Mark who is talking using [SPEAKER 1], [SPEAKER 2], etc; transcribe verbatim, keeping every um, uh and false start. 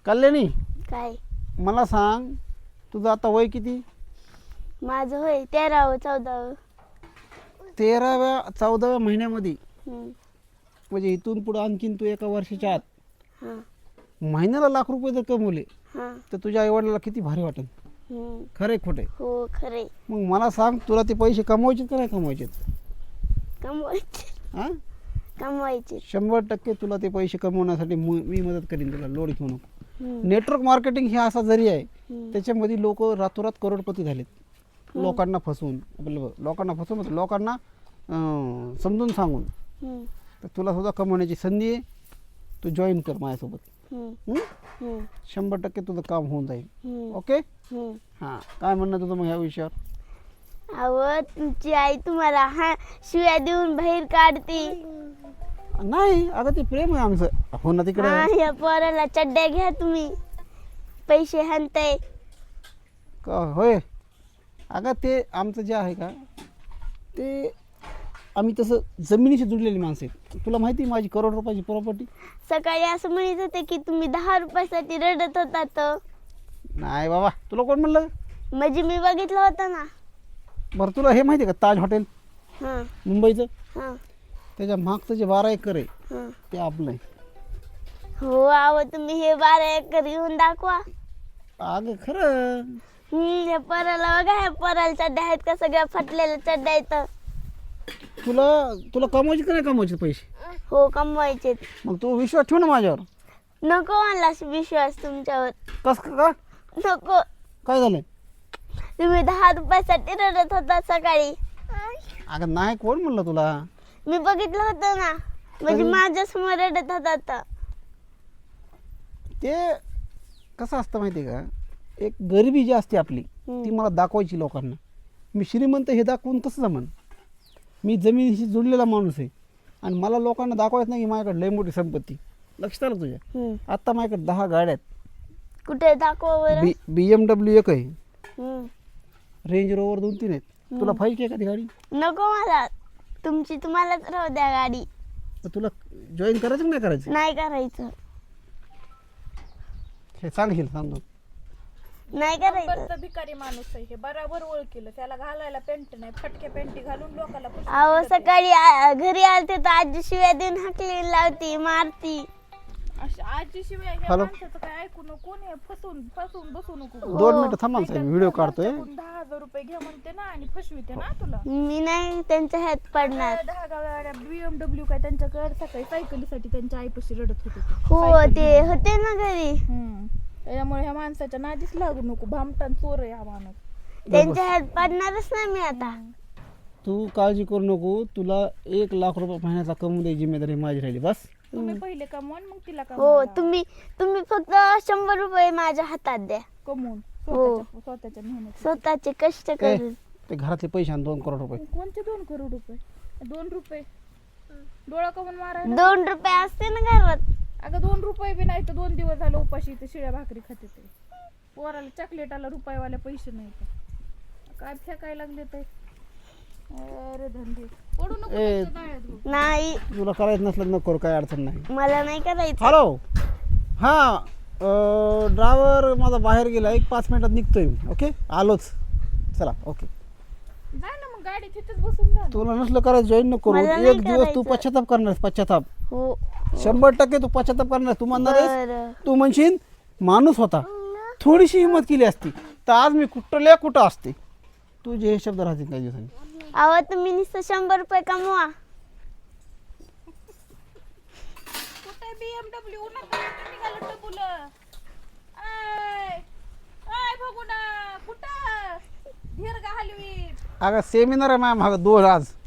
[SPEAKER 1] कल्याणी
[SPEAKER 2] काय
[SPEAKER 1] मला सांग तुझं आता वय किती?
[SPEAKER 2] माझं होय तेरावं चौदावं.
[SPEAKER 1] तेराव्या चौदाव्या महिन्यामध्ये
[SPEAKER 2] हम्म.
[SPEAKER 1] म्हणजे इथून पुढे आणखीन तू एका वर्षाच्या आत
[SPEAKER 2] हां
[SPEAKER 1] महिन्याला लाख रुपये जर कमवले
[SPEAKER 2] हां.
[SPEAKER 1] तर तुझ्या आईवडिलाला किती भारी वाटेल.
[SPEAKER 2] हम्म.
[SPEAKER 1] खरे खोटे?
[SPEAKER 2] हो खरे.
[SPEAKER 1] मग मला सांग तुला ते पैसे कमवायचे का नाही कमवायचे?
[SPEAKER 2] कमवायचे
[SPEAKER 1] हां
[SPEAKER 2] कमवायचे.
[SPEAKER 1] शंभर टक्के तुला ते पैसे कमवण्यासाठी मु- मी मदत करीन तुला. लोड घेऊ नको.
[SPEAKER 2] हम्म.
[SPEAKER 1] नेटवर्क मार्केटिंग हे असा जरी आहे
[SPEAKER 2] हम्म.
[SPEAKER 1] त्याच्यामध्ये लोक रातोरात करोडपती झालेत. लोकांना फसवून आपलं लोकांना फसवून म्हणजे लोकांना अं, समजून सांगून.
[SPEAKER 2] हम्म.
[SPEAKER 1] तर तुला सुद्धा कमवण्याची संधी आहे. तू जॉईन कर माझ्यासोबत.
[SPEAKER 2] हम्म.
[SPEAKER 1] हं?
[SPEAKER 2] हम्म.
[SPEAKER 1] शंभर टक्के तुझं काम होऊन जाईल.
[SPEAKER 2] हम्म.
[SPEAKER 1] ओके
[SPEAKER 2] हम्म.
[SPEAKER 1] हां काय म्हणणं तुझं मग ह्या विषयावर?
[SPEAKER 2] अहो तुमची आई तुम्हाला हा शिव्या देऊन बाहेर काढते.
[SPEAKER 1] नाही अगं ते प्रेम आहे आमचं. हो ना तिकडे
[SPEAKER 2] हा या पोराला चड्ड्या घ्या तुम्ही पैसे हाणताय.
[SPEAKER 1] का होय अगं ते आमचं जे आहे का ते आम्ही तसं जमिनीशी जुडलेली माणसं आहेत. तुला माहिती आहे माझी करोड रुपयाची प्रॉपर्टी?
[SPEAKER 2] सकाळी असं म्हणत होते की तुम्ही दहा रुपयासाठी रडत होता तर.
[SPEAKER 1] नाही बाबा तुला कोण म्हणलं?
[SPEAKER 2] म्हणजे मी बघितलं होतं ना.
[SPEAKER 1] बरं तुला हे माहिती आहे का ताज हॉटेल
[SPEAKER 2] हां
[SPEAKER 1] मुंबईचं
[SPEAKER 2] हां
[SPEAKER 1] त्याच्या मागचं जे बारा एकर आहे
[SPEAKER 2] हां.
[SPEAKER 1] ते आपलं आहे.
[SPEAKER 2] हो आहो तुम्ही हे बारा एकर घेऊन दाखवा.
[SPEAKER 1] अगं खरं
[SPEAKER 2] हम्म हे पोराला बघा, ह्या पोराला चड्ड्या आहेत का सगळ्या फाटलेल्या चड्ड्या आहेत.
[SPEAKER 1] तुला तुला कमवायचे का नाही कमवायचे पैसे?
[SPEAKER 2] हो कमवायचे.
[SPEAKER 1] मग तू विश्वास ठेव ना माझ्यावर.
[SPEAKER 2] नको मला विश्वास तुमच्यावर.
[SPEAKER 1] कस का?
[SPEAKER 2] नको.
[SPEAKER 1] काय झालं?
[SPEAKER 2] तुम्ही दहा रुपयासाठी रडत होता सकाळी.
[SPEAKER 1] अगं नाही कोण म्हणलं तुला?
[SPEAKER 2] मी बघितलं होतं ना. म्हणजे
[SPEAKER 1] कधी?
[SPEAKER 2] माझ्या समोर रडत होता तर.
[SPEAKER 1] ते कसं असतं माहिती आहे का एक गरिबी जी असते आपली
[SPEAKER 2] हम्म.
[SPEAKER 1] ती मला दाखवायची लोकांना. मी श्रीमंत हे दाखवून कसं जमन? मी जमिनीशी जुडलेला माणूस आहे आणि मला लोकांना दाखवायचं नाही की माझ्याकडे लय मोठी संपत्ती. लक्षात आलं तुझ्या?
[SPEAKER 2] हम्म.
[SPEAKER 1] आत्ता माझ्याकडे दहा गाड्या आहेत.
[SPEAKER 2] कुठे दाखवा बरं.
[SPEAKER 1] बी बी एम डब्ल्यू एक आहे,
[SPEAKER 2] हम्म.
[SPEAKER 1] रेंज रोवर दोन तीन आहेत. तुला पाहिजे एखादी गाडी?
[SPEAKER 2] नको मला. तुमची तुम्हालाच राहू द्या गाडी.
[SPEAKER 1] तर तुला जॉईन करायचं की नाही करायचं?
[SPEAKER 2] नाही करायचं.
[SPEAKER 1] हे सांगशील सांगतो.
[SPEAKER 2] नाही करायचं.
[SPEAKER 3] नंबरचा भिकारी माणूस आहे हे बराबर ओळखीलं. त्याला घालायला पेंट नाही, फटके पेंटी घालून लोकांना फसवून
[SPEAKER 2] अहो
[SPEAKER 3] देते.
[SPEAKER 2] सकाळी आ- घरी आलते तर आजी शिव्या देऊन हाकली लावती मारती.
[SPEAKER 3] अशी आजी शिवाय ह्या
[SPEAKER 1] हॅलो.
[SPEAKER 3] माणसाचं काय ऐकू नको. कोण आहे फसवून फसवून बसू नको.
[SPEAKER 1] दोन मिनिटं थांबा ना साहेब, व्हिडिओ काढतोय.
[SPEAKER 3] तुमच्याकडून दहा हजार रुपये घे म्हणते ना आणि फसविते ना तुला.
[SPEAKER 2] मी नाही त्यांच्या ह्यात पडणार.
[SPEAKER 3] दहा गाड्या बीएमडब्ल्यू काय त्यांच्याकडे सकाळी सायकलीसाठी त्यांच्या आईपाशी रडत होते ते.
[SPEAKER 2] हो
[SPEAKER 3] सायकल
[SPEAKER 2] ते
[SPEAKER 3] घेऊन.
[SPEAKER 2] होते ना घरी.
[SPEAKER 3] हम्म. त्याच्यामुळे ह्या माणसाच्या नादीच लागू नको. भामटान चोर आहे हा माणूस.
[SPEAKER 2] त्यांच्या ह्यात पडणारच नाही मी आता.
[SPEAKER 1] तू काळजी करू नको. तुला एक लाख रुपये महिन्याचा कमवून द्यायची जिम्मेदारी माझी राहिली बस.
[SPEAKER 3] तुम्ही पहिले कमवा आणि मग तिला
[SPEAKER 2] हो
[SPEAKER 3] कमवा.
[SPEAKER 2] तुम्ही तुम्ही फक्त शंभर रुपये माझ्या हातात द्या.
[SPEAKER 3] कमवून
[SPEAKER 2] हो.
[SPEAKER 3] स्वतःच्या स्वतःच्या मेहनत.
[SPEAKER 2] स्वतःचे कष्ट
[SPEAKER 1] ए,
[SPEAKER 2] करून.
[SPEAKER 1] ते घरातले पैसे आण दोन करोड रुपये.
[SPEAKER 3] कोणते दोन करोड रुपये? दोन रुपये डोळा कमून मारायला.
[SPEAKER 2] दोन रुपये असते ना घरात.
[SPEAKER 3] अगं दोन रुपये बी नाही तर दोन दिवस झालं उपाशी इथे शिळ्या भाकरी खाते ते. पोराला चॉकलेटाला रुपयावाले पैसे नाही तर काय फेकायला लागले ते. अरे धंदे पडू नको
[SPEAKER 1] ए.
[SPEAKER 3] त्यांच्या जाळ्यात गं.
[SPEAKER 2] नाही
[SPEAKER 1] तुला करायचं नसलं नको करू, काय अडचण नाही.
[SPEAKER 2] मला नाही करायचं.
[SPEAKER 1] हॅलो हां ड्रायव्हर माझा बाहेर गेला, एक पाच मिनिटात निघतोय मी. ओके आलोच. चला ओके.
[SPEAKER 3] जा ना मग गाडी तिथेच बसून जा ना.
[SPEAKER 1] तुला नसलं करायचं जॉईन नको करू.
[SPEAKER 2] मला नाही
[SPEAKER 1] एक दिवस तू
[SPEAKER 2] करायचं.
[SPEAKER 1] पश्चाताप करणार पश्चाताप.
[SPEAKER 2] हो
[SPEAKER 1] शंभर टक्के तू पश्चाताप करणार. तू म्हणणार आहेस
[SPEAKER 2] बरं.
[SPEAKER 1] तू म्हणशील माणूस होता थोडीशी हिंमत केली असती तर आज मी कुठल्या कुठं असते. तुझे हे शब्द राहतील काही दिवसांनी.
[SPEAKER 2] अहो तुम्ही नुसतं शंभर रुपये कमवा.
[SPEAKER 3] कुठे बीएमडब्ल्यू नका निघालं टपुलं. आय आय बघू ना कुठं धीर का हलवी.
[SPEAKER 1] अगं सेमिनार आहे माझ्या मागं दोन आज